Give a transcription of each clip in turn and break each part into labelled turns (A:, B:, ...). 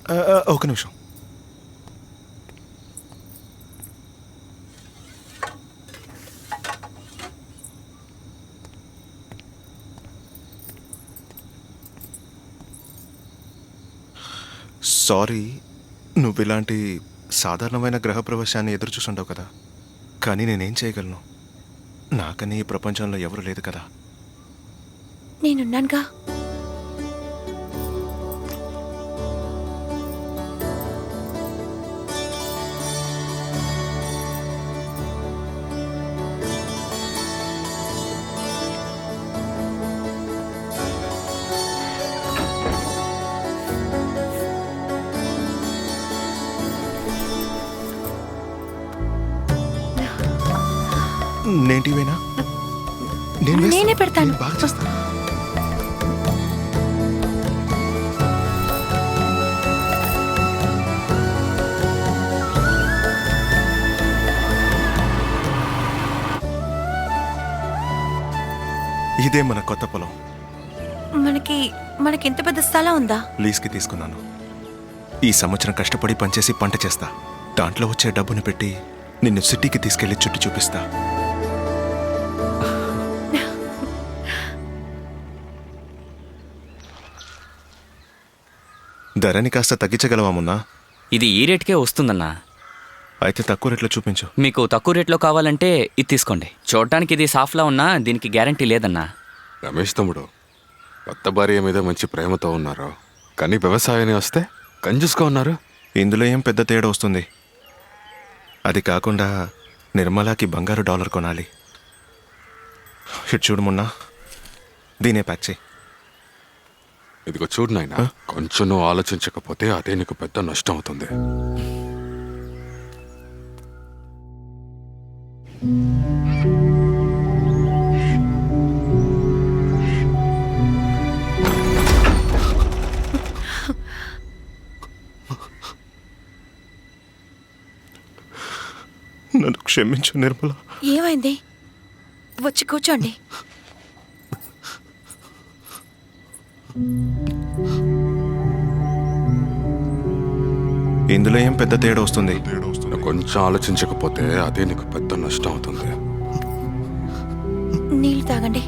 A: ఒక నిమిషం. సారీ, నువ్వు ఇలాంటి సాధారణమైన గ్రహప్రవేశాన్ని ఎదురు చూసుంటావు కదా, కానీ నేనేం చేయగలను? నాకని ఈ ప్రపంచంలో ఎవరు లేదు కదా.
B: నేనున్నానుగా.
A: నేంటివేనా?
B: నేనే పెడతాను.
A: బాగా చేస్తాను. ఇదే మన కొత్త పొలం.
B: మనకి ఇంత పెద్ద స్థలం ఉందా?
A: లీజ్కి తీసుకున్నాను. ఈ సంవత్సరం కష్టపడి పనిచేసి పంట చేస్తా. దాంట్లో వచ్చే డబ్బుని పెట్టి నిన్ను సిటీకి తీసుకెళ్లి చుట్టూ చూపిస్తా. ధరని కాస్త తగ్గించగలవా మున్నా?
C: ఇది ఈ రేట్కే వస్తుందన్నా.
A: అయితే తక్కువ రేట్లో చూపించు.
C: మీకు తక్కువ రేట్లో కావాలంటే ఇది తీసుకోండి. చూడటానికి ఇది సాఫ్లా ఉన్నా దీనికి గ్యారంటీ లేదన్నా.
D: రమేష్ తమ్ముడు, కొత్త భార్య మీద మంచి ప్రేమతో ఉన్నారు, కానీ వ్యవసాయాన్ని వస్తే కంజూస్గా ఉన్నారు.
A: ఇందులో ఏం పెద్ద తేడా వస్తుంది? అది కాకుండా నిర్మలాకి బంగారు డాలర్ కొనాలి. ఇటు చూడు మున్నా, దీనే ప్యాక్ చేయి.
D: ఇదిగో చూడు నాయనా, కొంచెం నువ్వు ఆలోచించకపోతే అదే నీకు పెద్ద నష్టం అవుతుంది.
A: నన్ను క్షమించు నిర్మల.
B: ఏమైంది? వచ్చి కూర్చోండి.
A: ఇందులో ఏం పెద్ద తేడా వస్తుంది?
D: నువ్వు కొంచెం ఆలోచించకపోతే అదే నీకు పెద్ద నష్టం అవుతుంది.
B: నీళ్ళు తాగండి.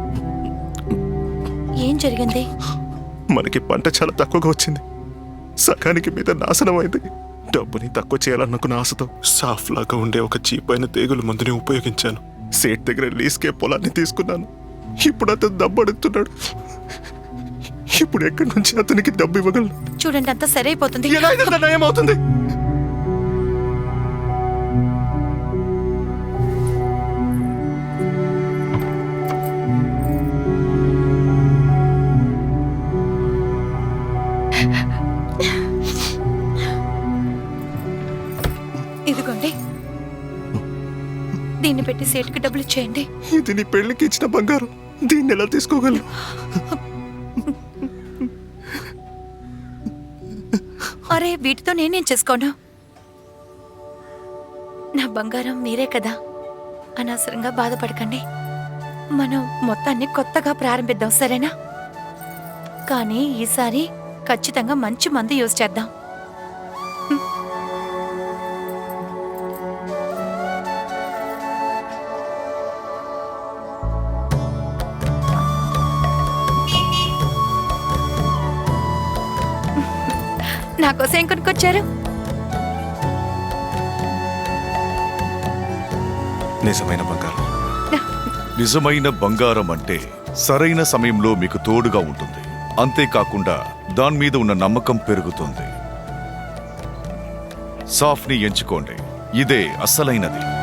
B: ఏం జరిగింది?
A: మనకి పంట చాలా తక్కువగా వచ్చింది. సగానికి మీద నాశనం అయింది. డబ్బుని తక్కువ చేయాలనుకున్న ఆశతో సాఫ్ లాగా ఉండే ఒక చీప్ అయిన తెగులు మందుని ఉపయోగించాను. సేట్ దగ్గర లీజ్కే పొలాన్ని తీసుకున్నాను. ఇప్పుడు అతను డబ్బు అడుగుతున్నాడు. ఇప్పుడు ఎక్కడి నుంచి అతనికి డబ్బు ఇవ్వగలను?
B: చూడండి, అంతా సరైపోతుంది.
A: ఎలా అయితే నయమవుతుంది?
B: ఇదిగోండి, దీన్ని పెట్టి సేటుకి డబ్బులు ఇచ్చేయండి.
A: ఇది నీ పెళ్లికి ఇచ్చిన బంగారం. దీన్ని ఎలా తీసుకోగలను?
B: అరే, వీటితో నేనేం చేసుకోను? నా బంగారం మీరే కదా. అనవసరంగా బాధపడకండి. మనం మొత్తాన్ని కొత్తగా ప్రారంభిద్దాం, సరేనా? కానీ ఈసారి ఖచ్చితంగా మంచి మందు యూజ్ చేద్దాం. నాకోసం ఏం కొనుక్కొచ్చారు?
A: నిజమైన బంగారం.
E: నిజమైన బంగారం అంటే సరైన సమయంలో మీకు తోడుగా ఉంటుంది. అంతేకాకుండా దాని మీద ఉన్న నమ్మకం పెరుగుతుంది. సాఫ్ని ఎంచుకోండి, ఇదే అసలైనది.